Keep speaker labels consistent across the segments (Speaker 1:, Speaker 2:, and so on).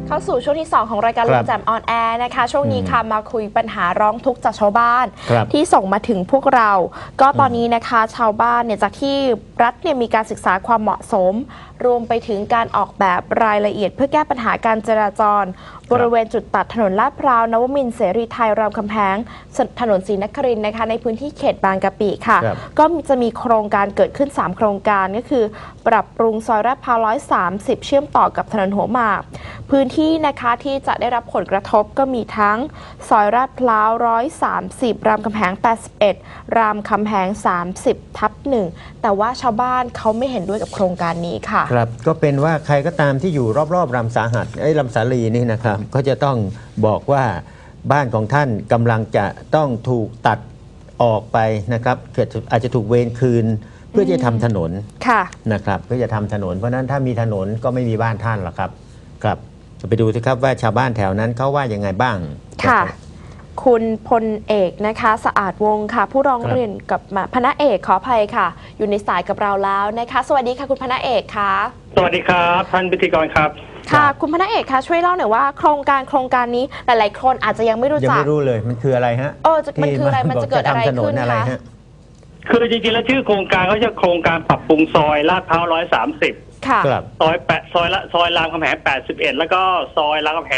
Speaker 1: เข้าสู่ช่วงที่ 2 ของรายการลุงแจ่มออนแอร์นะคะช่วงนี้ค่ะมาคุยปัญหาร้องทุกข์จากชาวบ้านที่ส่งมาถึงพวกเราก็ตอนนี้นะคะชาวบ้านเนี่ยจากที่รัฐเนี่ยมีการศึกษาความเหมาะสมรวมไปถึงการออกแบบรายละเอียดเพื่อแก้ปัญหาการจราจรบริเวณจุดตัดถนนลาดพร้าวนวมินทร์เสรีไทยรามคำแหงถนนศรีนครินทร์นะคะในพื้นที่เขตบางกะปิค่ะก็จะมีโครงการเกิดขึ้น3โครงการก็คือปรับปรุงซอยลาดพร้าว130เชื่อมต่อกับถนนหัวหมากพื้นที่นะคะที่จะได้รับผลกระทบก็มีทั้งซอยลาดพร้าว130รามคำแหง81รามคำแหง30/1แต่ว่าชาวบ้านเขาไม่เห็นด้วยกับโครงการนี้ค่ะ
Speaker 2: ครับก็เป็นว่าใครก็ตามที่อยู่รอบๆลำสาหัสลำสาลีนี่นะครับก็จะต้องบอกว่าบ้านของท่านกำลังจะต้องถูกตัดออกไปนะครับอาจจะถูกเวรคืนเพื่อจะทำถนนนะครับเพื่อจะทำถนนเพราะนั้นถ้ามีถนนก็ไม่มีบ้านท่านหรอกครับครับจะไปดูสิครับว่าชาวบ้านแถวนั้นเขาว่ายังไงบ้าง
Speaker 1: ค่ะคุณพลเอกนะคะสะอาดวงค่ะผู้ร้องเรียนกับพณะเอกขออภัยค่ะอยู่ในสายกับเราแล้วนะคะสวัสดีค่ะคุณพณะเอกค่ะ
Speaker 3: สวัสดีครับท่านพิธีกรครับ
Speaker 1: ค่ะคุณพณะเอกคะช่วยเล่าหน่อยว่าโครงการนี้หลายๆคนอาจจะยังไม่รู้จัก
Speaker 2: ยังไม่รู้เลยมันคืออะไรฮะ
Speaker 1: มันคืออะไรมันจะเกิดอะไรขึ้นคะ
Speaker 3: คือจริงๆแล้วชื่อโครงการเขาจะโครงการปรับปรุงซอยลาดพร้าว130
Speaker 1: ค่ะ
Speaker 3: ซอยรามคำแหง81แล้วก็ซอยรามคำแหง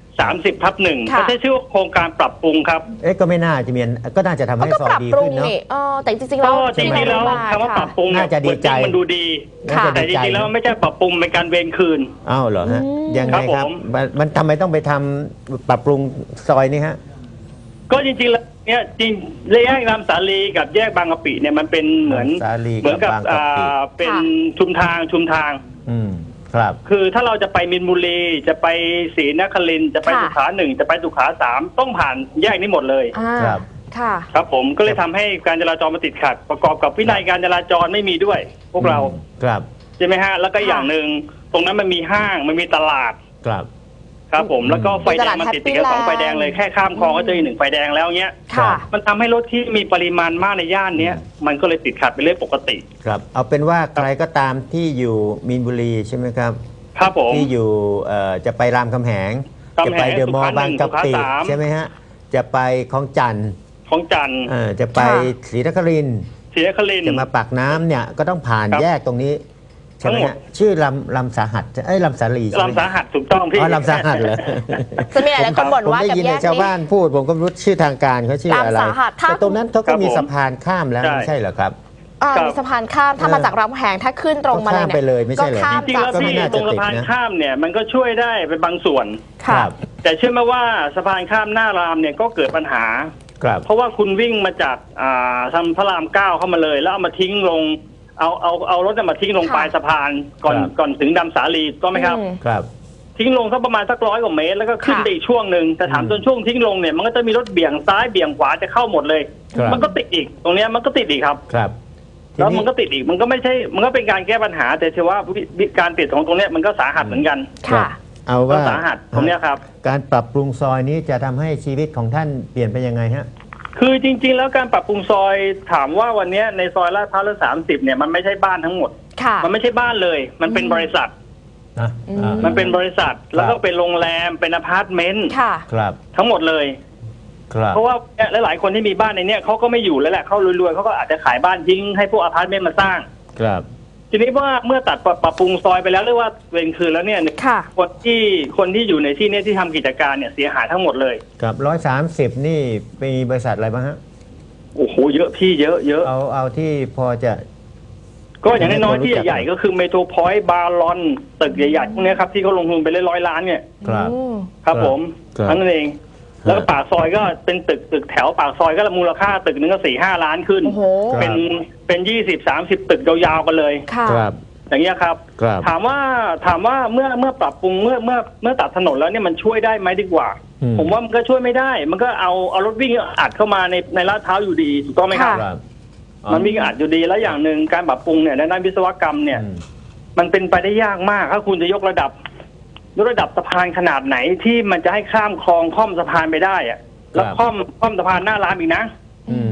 Speaker 3: 30/1เขาใช้ชื่อโครงการปรับปรุงครับ
Speaker 2: ก็ไม่น่าจะมีก็น่าจะทำให้ซอยดีขึ้นเนาะ
Speaker 1: แต่จริงๆแล้ว
Speaker 3: คำว่าปรับปรุง
Speaker 2: น่าจะดีใจ
Speaker 3: มันดูดีแต่จริงๆแล้วไม่ใช่ปรับปรุงเป็นการเวรคืน
Speaker 2: อ้าวเหรอฮะยังไงครับมันทำไมต้องไปทำปรับปรุงซอยนี้ฮะ
Speaker 3: ก็จริงๆแล้วเนี่ยจริงแยกลำสาลีกับแยกบางกะปิเนี่ยมันเป็นเหมือนกับเป็นชุมทาง
Speaker 2: ครับ
Speaker 3: คือถ้าเราจะไปมินบุรีจะไปศรีนครินทร์จะไปสุขา1จะไปสุขา3ต้องผ่านแยกนี้หมดเลย
Speaker 2: ครับ
Speaker 3: ครับผมก็เลยทำให้การจราจรมาติดขัดประกอบกับวินัยการจราจรไม่มีด้วยพวกเรา
Speaker 2: ครับ
Speaker 3: ใช่ไหมฮะแล้วก็อย่างหนึ่งตรงนั้นมันมีห้างมันมีตลาดครับผมแล้วก็ไฟแดงมันติดกัน2ไฟแดงเลยแค่ข้ามคลองก็เจออีก1ไฟแดงแล้วเงี้ยมันทำให้รถที่มีปริมาณมากในย่านนี้มันก็เลยติดขัดเป็นเรื่องปกติ
Speaker 2: ครับเอาเป็นว่าใครก็ตามที่อยู่มีนบุรีใช่ไหมครับ
Speaker 3: ครับผม
Speaker 2: ที่อยู่จะไปรามคำแหงจะไปเดอะมอลล์บางกะปิใช่ไหมฮะจะไปคลองจันทร์จะไปศรีนครินทร์จะมาปากน้ำเนี่ยก็ต้องผ่านแยกตรงนี้ใช่ไหมฮะชื่อลำสาหัสลำสาลี
Speaker 3: ลำสาหัสถูกต้องพี่
Speaker 2: ลำสาหัสเลย
Speaker 1: จะมีหลายคนบ่นว่า
Speaker 2: กับแยกนี้ชาวบ้านพูดผมก็รู้ชื่อทางการเขาชื่ออะไรแต่ตรงนั้นเขาก็มีสะพานข้ามแล้วไม่ใช่เหรอครับ
Speaker 1: มีสะพานข้ามถ้ามาจากรามคำแหงถ้าขึ้นตรงมา
Speaker 2: เลยไม่ใช่เหรอ
Speaker 3: จริงๆแล้วที่ตรงสะพานข้ามเนี่ยมันก็ช่วยได้เป็นบางส่วนแต่เชื่อไหมว่าสะพานข้ามหน้ารามเนี่ยก็เกิดปัญหาเพราะว่าคุณวิ่งมาจากทางพระราม9เข้ามาเลยแล้วเอามาทิ้งลงเอารถมาทิ้งลงปลายสะพานก่อนถึงดำสาลีก็ไหมครับทิ้งลงสักประมาณสัก100 กว่าเมตรแล้วก็ขึ้นไปอีกช่วงหนึ่งแต่ถามจนช่วงทิ้งลงเนี่ยมันก็จะมีรถเบี่ยงซ้ายเบี่ยงขวาจะเข้าหมดเลยมันก็ติดอีกตรงนี้มันก็ติดอีกครับแล้วมันก็ติดอีกมันก็ไม่ใช่มันก็เป็นการแก้ปัญหาแต่เชื่อว่าการติดของตรงนี้มันก็สาหัสเหมือนกัน
Speaker 2: เอาว่า
Speaker 3: สาหัสตรงนี้ครับ
Speaker 2: การปรับปรุงซอยนี้จะทำให้ชีวิตของท่านเปลี่ยนไปยังไงฮะ
Speaker 3: คือจริงๆแล้วการปรับปรุงซอยถามว่าวันนี้ในซอยลาดพร้าว130เนี่ยมันไม่ใช่บ้านทั้งหมดมันไม่ใช่บ้านเลยมันเป็นบริษัทมันเป็นบริษัทแล้วก็เป็นโรงแรมเป็นอพาร์ตเมนต์ทั้งหมดเลยเพราะว่าหลายๆคนที่มีบ้านในนี้เขาก็ไม่อยู่แล้วแหละเขารวยๆเขาก็อาจจะขายบ้านทิ้งให้พวกอพาร์ตเมนต์มาสร้างทีนี้ว่าเมื่อตัดปรับปรุงซอยไปแล้วหรือว่าเวรคืนแล้วเนี่ยคนที่อยู่ในที่นี้ที่ทำกิจการเนี่ยเสียหายทั้งหมดเลย
Speaker 2: กับ130นี่มีบริษัทอะไรบ้างฮะ
Speaker 3: โอ้โหเยอะพี่เยอะ
Speaker 2: เอาที่พอจะ
Speaker 3: ก็อย่างน้อยๆที่ใหญ่ๆก็คือเมโทรพอยต์บาลอนตึกใหญ่ๆพวกนี้ครับที่เขาลงทุนไป100 ล้านเนี่ยครับผมนั่นเองแล้วปากซอยก็เป็นตึกแถวปากซอยก็มูลค่าตึกนึงก็4-5 ล้านขึ้นเป็น20-30 ตึกยาวๆกันเลยอย่างเงี้ยครับถามว่าเมื่อปรับปรุงเมื่อตัดถนนแล้วเนี่ยมันช่วยได้ไหมดีกว่าผมว่ามันก็ช่วยไม่ได้มันก็เอารถวิ่งอัดเข้ามาในลาดพร้าวอยู่ดีถูกต้องไหมครับมันวิ่งอัดอยู่ดีแล้วอย่างหนึ่งการปรับปรุงเนี่ยในด้านวิศวกรรมเนี่ยมันเป็นไปได้ยากมากถ้าคุณจะยกระดับสะพานขนาดไหนที่มันจะให้ข้ามคลองค่อมสะพานไปได้อะแล้วค่อมสะพานหน้ารามอีกนะ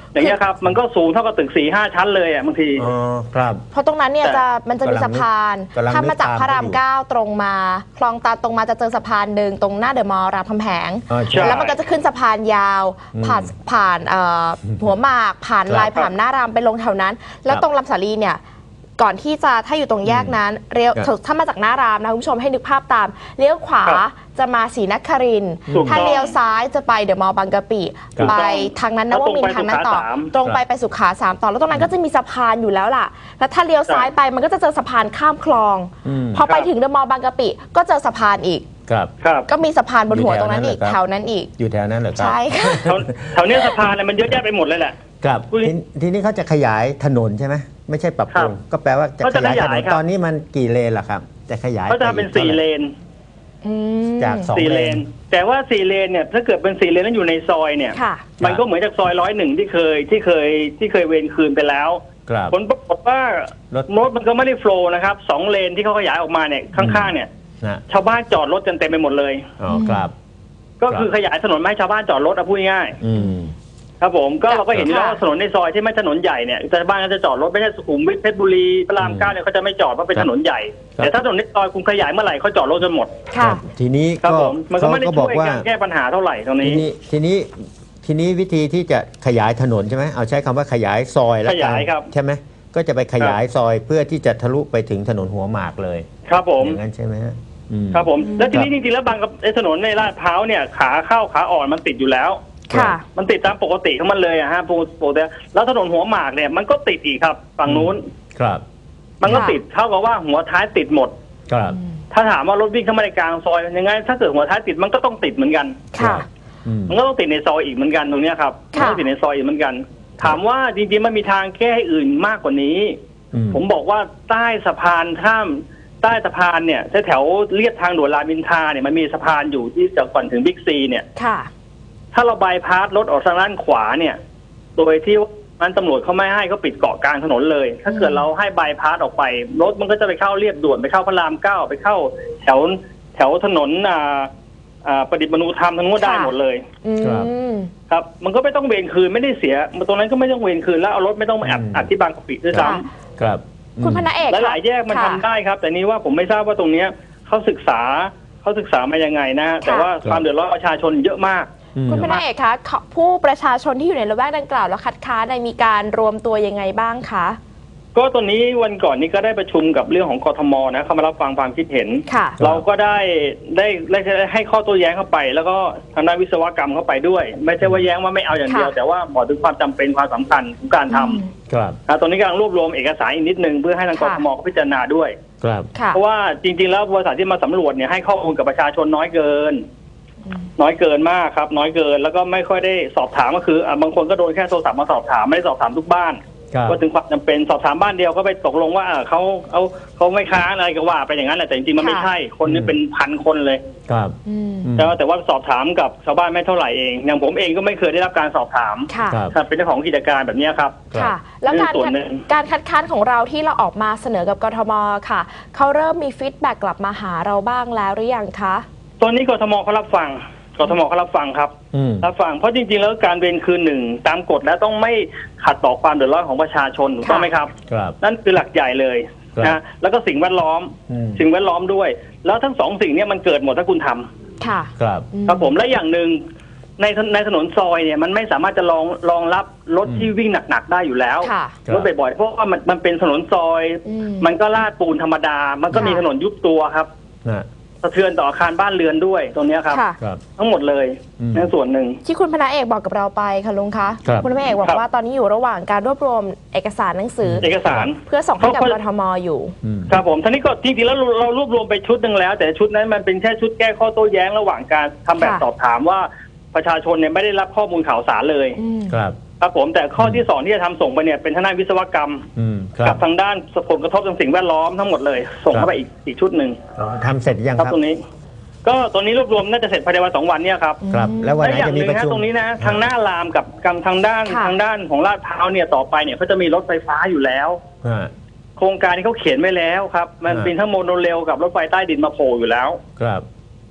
Speaker 3: อย่างเงี้ยครับมันก็สูงเท่ากับตึก4-5 ชั้นเลยบางที
Speaker 2: อ๋อครับ
Speaker 1: เพราะตรงนั้นเนี่ยมันจะมีสะพาน
Speaker 2: กำลังนึก
Speaker 1: ถ้ามาจากพระราม
Speaker 2: อยู่
Speaker 1: 9ตรงมาคลองตันตรงมาจะเจอสะพานหนึ่งตรงหน้าเดอะมอลล์รามคำแหง
Speaker 2: อ๋อใช่
Speaker 1: แล้วมันก็จะขึ้นสะพานยาว ผ่านหัวหมากผ่านลายผ่านหน้ารามไปลงแถวนั้น แล้วตรงลำสาลีเนี่ยก่อนที่จะถ้าอยู่ตรงแยกนั้นเลี้ยวถ้ามาจากหน้ารามนะคุณผู้ชมให้นึกภาพตามเลี้ยวขวา
Speaker 3: ครับ
Speaker 1: จะมาศรีนครินทร์
Speaker 3: ถูกต้อง
Speaker 1: ถ้าเลี้ยวซ้ายจะไปเดอะมอลล์บางกะปิ
Speaker 3: ถูก
Speaker 1: ไป
Speaker 3: ต้อง
Speaker 1: ทางนั้นนวมินทร์ทางนั้นต่อ
Speaker 3: แล้วตรงไปสุขา 3
Speaker 1: ตรงไปสุขา3ต่อแล้วตรงนั้นก็จะมีสะพานอยู่แล้วล่ะแล้วถ้าเลี้ยวซ้ายไปมันก็จะเจอสะพานข้ามคลอง พอไปถึงเดอะมอลล์บางกะปิก็เจอสะพานอีก
Speaker 2: ครับ
Speaker 3: ครับ
Speaker 1: ก็มีสะพานบนหัว
Speaker 2: อยู่
Speaker 1: ตรงนั้นอีก
Speaker 2: แถ
Speaker 1: แถ
Speaker 2: ว
Speaker 1: ว
Speaker 2: นั้
Speaker 1: นั้น น
Speaker 2: เหรอครับ
Speaker 1: อีก
Speaker 2: อยู่แถวนั้นเหรอครับ
Speaker 1: ใช่ค่ะ
Speaker 3: แถวเนี้ยสะพานมันเยอะแยะไปหมดเลยแหละ
Speaker 2: ครับ
Speaker 3: คุณ
Speaker 2: ทีนี้เขาจะขยายถนนใช่ไหมไม่ใช่ปรับปรุง
Speaker 3: ครับ
Speaker 2: ก็แปลว่าจะ
Speaker 3: เขา
Speaker 2: ข
Speaker 3: จะ
Speaker 2: ยายถน
Speaker 3: ขยาย
Speaker 2: น
Speaker 3: ครับ
Speaker 2: ตอนนี้มันกี่เลนล่ะครับ จะขยาย
Speaker 3: ก็จะเป็น
Speaker 2: ไปอีก
Speaker 3: 4 เลน
Speaker 1: อืม
Speaker 2: จาก2
Speaker 3: 4
Speaker 2: เล
Speaker 3: เล
Speaker 2: น
Speaker 3: น แต่ว่า4 เลนเนี่ยถ้าเกิดเป็น4 เลนแล้วอยู่ในซอยเนี่ย
Speaker 1: ค่ะ
Speaker 3: มันก็เหมือนจากซอย101ที่เคยเวรคืนไปแล้ว
Speaker 2: ครับ
Speaker 3: ผลปรากฏว่าร
Speaker 2: ถ
Speaker 3: รถมันก็ไม่ได้โฟลว์นะครับ2 เลนที่เขาขยายออกมาเนี่ยข้างๆเนี่ย
Speaker 2: นะ
Speaker 3: ชาวบ้านจอดรถกันเต็มไปหมดเลย
Speaker 2: อ๋อครับ
Speaker 3: ก็คือขยายถนนไม่ให้ชาวบ้านจอดรถพูดง่าย
Speaker 2: อืม
Speaker 3: ๆครับผมก็เราก็เห็นอยู่แล้ว
Speaker 1: ค่ะ
Speaker 3: ว่าถนนในซอยที่ไม่ถนนใหญ่เนี่ยชาวบ้านก็จะจอดรถไม่ใช่สุขุมวิทเพชรบุรีพระราม9เนี่ยเขาจะไม่จอดเพราะเป็นถนนใหญ่
Speaker 2: ครับ
Speaker 3: แต่ถ้าถนนในซอยคุณขยายเมื่อไหร่เขาจอดรถจนหมด
Speaker 1: ค่ะ
Speaker 2: ทีนี้
Speaker 3: ครับ
Speaker 2: ก็
Speaker 3: ผมมันก็
Speaker 2: เขา
Speaker 3: ไม่ได้
Speaker 2: ก็บ
Speaker 3: ช่
Speaker 2: อ
Speaker 3: ว
Speaker 2: ก
Speaker 3: ย
Speaker 2: ว่า
Speaker 3: การแก้ปัญหาเท่าไหร่ตรง
Speaker 2: ที
Speaker 3: นี้
Speaker 2: นี้ทีนี้วิธีที่จะขยายถนนใช่ไหมเอาใช้คำว่าขยายซอยแล้ว
Speaker 3: ข
Speaker 2: กั
Speaker 3: ยายครับ
Speaker 2: ใช่ไหมก็จะไปขยายซอยเพื่อที่จะทะลุไปถึงถนนหัวหมากเลย
Speaker 3: ครับผม
Speaker 2: อย่างนั้นใช่ไหมฮะอืม
Speaker 3: ครับผมแล้วทีนี้
Speaker 2: ครับ
Speaker 3: จริงๆแล้วบางกับไอ้ถนนในลาดพร้าวเนี่ยขาเข้าขาอ่อนมันติดอยู่แล้ว
Speaker 1: ค่ะ
Speaker 3: มันติดตามปกติของมันเลยอะฮะปกติแล้วถนนหัวหมากเนี่ยมันก็ติดอีกครับฝั่งนู้น
Speaker 2: ครับ
Speaker 3: มันก็
Speaker 1: ค่ะ
Speaker 3: ติดเท่ากับว่าหัวท้ายติดหมด
Speaker 2: ครับ
Speaker 3: ถ้าถามว่ารถวิ่งเข้ามาในกลางซอยยังไงถ้าเกิดหัวท้ายติดมันก็ต้องติดเหมือนกัน
Speaker 1: ค่ะ
Speaker 2: อืม
Speaker 3: มันก็ต้องติดในซอยอีกเหมือนกันตรงเนี้ยครับมัน
Speaker 1: ค่ะ
Speaker 3: ต้องติดในซอยอีกเหมือนกัน ถามว่าจริงๆมันมีทางแก้อื่นมากกว่านี้ ผมบอกว่าใต้สะพานใต้สะพานเนี่ยแถวเลียบทางด่วนรามอินทราเนี่ยมันมีสะพานอยู่ที่จะก่อนถึงบิ๊กซีเนี่ย
Speaker 1: ค่ะ
Speaker 3: ถ้าเราบายพาสรถออกทางด้านขวาเนี่ย โดยที่มันตำรวจเขาไม่ให้เขาปิดเกาะกลางถนนเลย ถ้าเกิดเราให้บายพาสออกไปรถมันก็จะไปเข้าเรียบด่วนไปเข้าพระราม9ไปเข้าแถวถนนประดิษฐ์มนุธรรมทั้งหมดได้หมดเลย
Speaker 1: อืม
Speaker 3: ครับ มันก็ไม่ต้องเวรคืนไม่ได้เสียตรงนั้นก็ไม่ต้องเวรคืนแล้วเอารถไม่ต้องมาอัดที่บางกะปิด้วยซ้
Speaker 1: ค่ะ
Speaker 2: ครับ
Speaker 1: คุณพนาเอก
Speaker 3: ำหลายๆแยกมันทำได้ครับ แต่นี้ว่าผมไม่ทราบว่าตรงเนี้ยเขาศึกษามายังไงนะฮะแต่ว่าความเดือดร้อนประชาชนเยอะมาก
Speaker 1: คุณพนาเอกคะผู้ประชาชนที่อยู่ในละแวกดังกล่าวแล้วคัดค้านมีการรวมตัวยังไงบ้างคะ
Speaker 3: ก็ตอนนี้วันก่อนนี้ก็ได้ประชุมกับเรื่องของกทมนะเขามารับฟังความคิดเห็น
Speaker 1: ค่ะ
Speaker 3: เราก็ได้ให้ข้อโต้แย้งเข้าไป แล้วก็ทางด้านวิศวกรรมเข้าไปด้วย ไม่ใช่ว่าแย้งว่าไม่เอาอย่างเดียว
Speaker 1: ค่ะ
Speaker 3: แต่ว่าบอกถึงความจำเป็นความสำคัญของการท
Speaker 2: ครับ
Speaker 3: ำตอนนี้กำลังรวบรวมเอกสารอีกนิดนึงเพื่อให้ทางกทมเขาพิจารณาด้วย
Speaker 2: ครับ
Speaker 1: ค่ะ
Speaker 3: เพราะว่าจริงๆแล้วบริษัทที่มาสำรวจเนี่ยให้ข้อมูลกับประชาชนน้อยเกินมากครับ น้อยเกินแล้วก็ไม่ค่อยได้สอบถามก็คือบางคนก็โดนแค่โทรศัพท์มาสอบถามไม่ได้สอบถามทุกบ้าน
Speaker 2: ครับ
Speaker 3: ว่าถึงความจำเป็นสอบถามบ้านเดียวก็ไปตกลงว่าเขาไม่ค้านอะไรก็ว่าไปอย่างนั้นแหละแต่จริงๆมันไม่ใช่คนนี่เป็นพันคนเลย
Speaker 2: ครับ
Speaker 1: อืม
Speaker 3: แต่ว่าสอบถามกับชาวบ้านไม่เท่าไหร่เองอย่างผมเองก็ไม่เคยได้รับการสอบถาม
Speaker 1: ค่ะ
Speaker 2: ครับ
Speaker 3: ถ้าเป็นเจ้าของกิจการแบบนี้ครับ
Speaker 1: ค่ะ แล้ว
Speaker 3: นี่ส่วนหนึ่ง
Speaker 1: การคัดค้านของเราที่เราออกมาเสนอกับกทมค่ะเขาเริ่มมีฟีดแบ็กกลับมาหาเราบ้างแล้วหรือยังคะ
Speaker 3: ตอนนี้กทมเขารับฟังครับ
Speaker 2: อืม
Speaker 3: รับฟังเพราะจริงๆแล้วการเวรคืนหนึ่งตามกฎแล้วต้องไม่ขัดต่อความเดือดร้อนของประชาชนถูกต้องไหมครับ
Speaker 2: ครับ
Speaker 3: นั่นคือหลักใหญ่เลย
Speaker 2: ครับ
Speaker 3: นะแล้วก็สิ่งแวดล้อม
Speaker 2: อืม
Speaker 3: สิ่งแวดล้อมด้วย แล้วทั้งสองสิ่งเนี้มันเกิดหมดถ้าคุณทำ
Speaker 1: ค่ะ
Speaker 2: ครับ
Speaker 3: ครับผมและอย่างหนึ่งในถนนซอยเนี่ยมันไม่สามารถจะรองรับรถที่วิ่งหนักๆได้อยู่แล้ว
Speaker 1: ค่ะ
Speaker 3: รถบ่อยๆเพราะว่ามันเป็นถนนซอย
Speaker 1: อืม
Speaker 3: มันก็ลาดปูนธรรมดา มันก็มี
Speaker 1: ค่ะ
Speaker 3: ถนนยุบตัวครับ
Speaker 2: นะ
Speaker 3: สะเทือนต่ออาคารบ้านเรือนด้วยตรงเนี้ยครับ
Speaker 1: ค่ะ
Speaker 2: ครับ
Speaker 3: ทั้งหมดเลย
Speaker 2: อืม
Speaker 3: ในส่วนหนึ่ง
Speaker 1: ที่คุณพนาเอกบอกกับเราไปค่ะลุงคะ
Speaker 2: ครับ
Speaker 1: ณพนาเอกบอก
Speaker 3: ครับ
Speaker 1: ว่าตอนนี้อยู่ระหว่างการรวบรวมเอกสารหนังสือ
Speaker 3: เอกสาร
Speaker 1: เพื่อส่งให้กับกทมอยู่
Speaker 2: อืม
Speaker 3: ครับผมท่านี้ก็จริงๆแล้วเรารวบรวมไปชุดหนึ่งแล้ว แต่ชุดนั้นมันเป็นแค่ชุดแก้ข้อโต้แย้งระหว่างการทำแบบ
Speaker 1: ค่ะ
Speaker 3: สอบถามว่าประชาชนเนี่ยไม่ได้รับข้อมูลข่าวสารเลย
Speaker 1: อืม
Speaker 2: ครับ
Speaker 3: ครับผมแต่ข้อที่สองที่จะทำส่งไปเนี่ยเป็นทางด้านวิศวกรรม
Speaker 2: อืม ครั
Speaker 3: กับ ทางด้านผลกระทบทางสิ่งแวดล้อมทั้งหมดเลย ส่งเข้าไปอีกชุดหนึ่ง
Speaker 2: อ๋อทำเสร็จยัง
Speaker 3: ครับ
Speaker 2: ครับ
Speaker 3: ตรงนี้ ก็ตอนนี้รวบรวมน่าจะเสร็จภายในวัน2 วันเนี่ยครับ
Speaker 2: ครับ แล้ววัน
Speaker 3: และ
Speaker 2: ไหน
Speaker 3: อย่าง
Speaker 2: จะ
Speaker 3: ห
Speaker 2: มี
Speaker 3: นึ่ง
Speaker 2: ประ
Speaker 3: นะ
Speaker 2: ชุม
Speaker 3: ตรงนี้นะทางหน้ารามกับทางด้าน
Speaker 1: ค่ะ
Speaker 3: ของลาดพร้าวเนี่ยต่อไปเนี่ยเขาจะมีรถไฟฟ้าอยู่แล้ว
Speaker 2: อ่า
Speaker 3: โครงการนี้เขาเขียนไว้แล้วครับ มัน
Speaker 2: อ่า
Speaker 3: เป็นทั้งโมโนเรลกับรถไฟใต้ดินมาโผล่อยู่แล้ว
Speaker 2: ครับ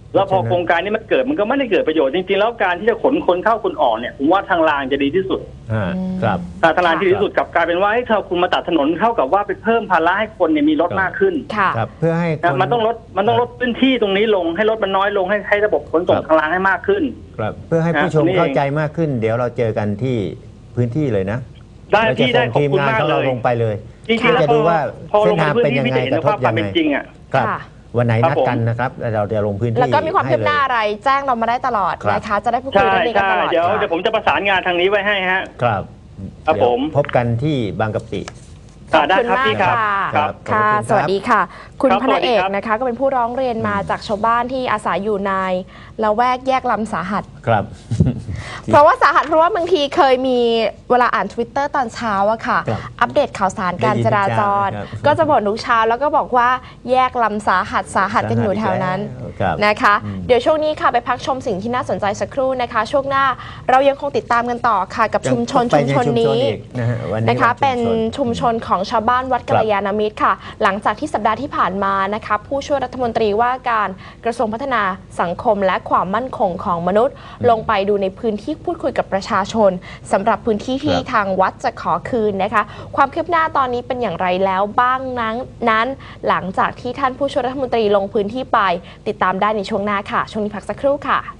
Speaker 3: แล้วพอโครงการนี้มันเกิดมันก็ไม่ได้เกิดประโยชน์จริงๆแล้วการที่จะขนคนเข้าคนออกเนี่ยผมว่าทางรางจะดีที่สุด
Speaker 2: ครับ
Speaker 3: ทางรางที่ดีที่สุดกับกลายเป็นว่าให้เธอคุณมาตัดถนนเท่ากับว่าไปเพิ่มภาระให้คนเนี่ยมีรถมากขึ้น
Speaker 1: ค่ะ
Speaker 2: ครับเพื่อให้คน
Speaker 3: มันต้องลดพื้นที่ตรงนี้ลงให้รถมันน้อยลงให้ระบบขนส่งทางรางให้มากขึ้น
Speaker 2: ครับเพื่อให้ผู้ชม
Speaker 3: นี่เอง
Speaker 2: เข้าใจมากขึ้น เดี๋ยวเราเจอกันที่พื้นที่เลยนะ
Speaker 3: ได้
Speaker 2: เราจะ
Speaker 3: พี่ได้
Speaker 2: ส่ง
Speaker 3: ขอบ
Speaker 2: ทีม
Speaker 3: คุณ
Speaker 2: งาน
Speaker 3: มาก
Speaker 2: ของ
Speaker 3: เล
Speaker 2: เรา
Speaker 3: ย
Speaker 2: ลงไปเลย
Speaker 3: จริงๆแล้ว
Speaker 2: จะดูว่า
Speaker 3: พอล
Speaker 2: เส้น
Speaker 3: ง
Speaker 2: ทาง
Speaker 3: พื้น
Speaker 2: เป็น
Speaker 3: ที่
Speaker 2: ยัง
Speaker 3: พี่
Speaker 2: ไง
Speaker 3: จะเห็น
Speaker 2: กระทบ
Speaker 3: ความ
Speaker 2: ยัง
Speaker 3: เป็น
Speaker 2: ไง
Speaker 3: จริงอ่ะ
Speaker 2: ครับ
Speaker 1: ค่ะ
Speaker 2: วันไหน
Speaker 3: ครับ
Speaker 2: นัดกันนะครับเราจะลงพื้นที่
Speaker 1: แล้วก็มีความคืบหน้า
Speaker 2: ให้
Speaker 1: อะไรแจ้งเรามาได้ตลอด
Speaker 2: ครับ
Speaker 1: นะคะ จะได้พูดคุย
Speaker 3: ใช่
Speaker 1: เรื่องนี้กัน
Speaker 3: ใช่
Speaker 1: ตลอด
Speaker 3: เดี๋ยว
Speaker 1: ค่ะ
Speaker 3: ผมจะประสานงานทางนี้ไว้ให้ฮะ
Speaker 2: ครับ
Speaker 3: ครับผม
Speaker 2: เดี๋ยวพบกันที่บางกะปิ
Speaker 1: ขอบ
Speaker 3: ได้
Speaker 1: คุณ
Speaker 3: ครับ
Speaker 1: มาก
Speaker 3: พี่ครับ
Speaker 1: ค่ะ
Speaker 3: ครับ
Speaker 1: ค่ะ
Speaker 2: ขอบคุณครับ
Speaker 1: สวัสดีค่ะ คุณ
Speaker 3: ครับ
Speaker 1: พระเอก
Speaker 3: สวัสดีครับ
Speaker 1: นะคะ ก็เป็นผู้ร้องเรียนมาจากชาวบ้านที่อาศัยอยู่ในละแวกแยกลำสาหัส
Speaker 2: ครับ
Speaker 1: เพราะว่าสาหัสเพราะว่าบางทีเคยมีเวลาอ่าน Twitter ตอนเช้าอะค่ะ
Speaker 2: ครับ
Speaker 1: อัปเดตข่าวสารการจราจร
Speaker 2: ได้ยินทุกเช้านะครับ
Speaker 1: ก็จะบ่นทุกเช้าแล้วก็บอกว่าแยกลำสาหัสกันอยู่แถวนั้น
Speaker 2: ครับ
Speaker 1: นะคะ เดี๋ยวช่วงนี้ค่ะไปพักชมสิ่งที่น่าสนใจสักครู่นะคะ ช่วงหน้าเรายังคงติดตามกันต่อค่ะกับชุมชน
Speaker 2: ไปใน
Speaker 1: นี้
Speaker 2: อีกนะฮะวันนี้
Speaker 1: นะคะ
Speaker 2: วั
Speaker 1: เป็น
Speaker 2: ชุมชน
Speaker 1: ชุมชนของชาวบ้านวัดกัลยาณมิตรค่ะ หลังจากที่สัปดาห์ที่ผ่านมานะคะผู้ช่วยรัฐมนตรีว่าการกระทรวงพัฒนาสังคมและความมั่นคงของมนุษย์ ลงไปดูในพื้นที่พูดคุยกับประชาชนสำหรับพื้นที่ที่
Speaker 2: ครับ
Speaker 1: ทางวัดจะขอคืนนะคะ ความคืบหน้าตอนนี้เป็นอย่างไรแล้วบ้างนั้น หลังจากที่ท่านผู้ช่วยรัฐมนตรีลงพื้นที่ไป ติดตามได้ในช่วงหน้าค่ะ ช่วงนี้พักสักครู่ค่ะ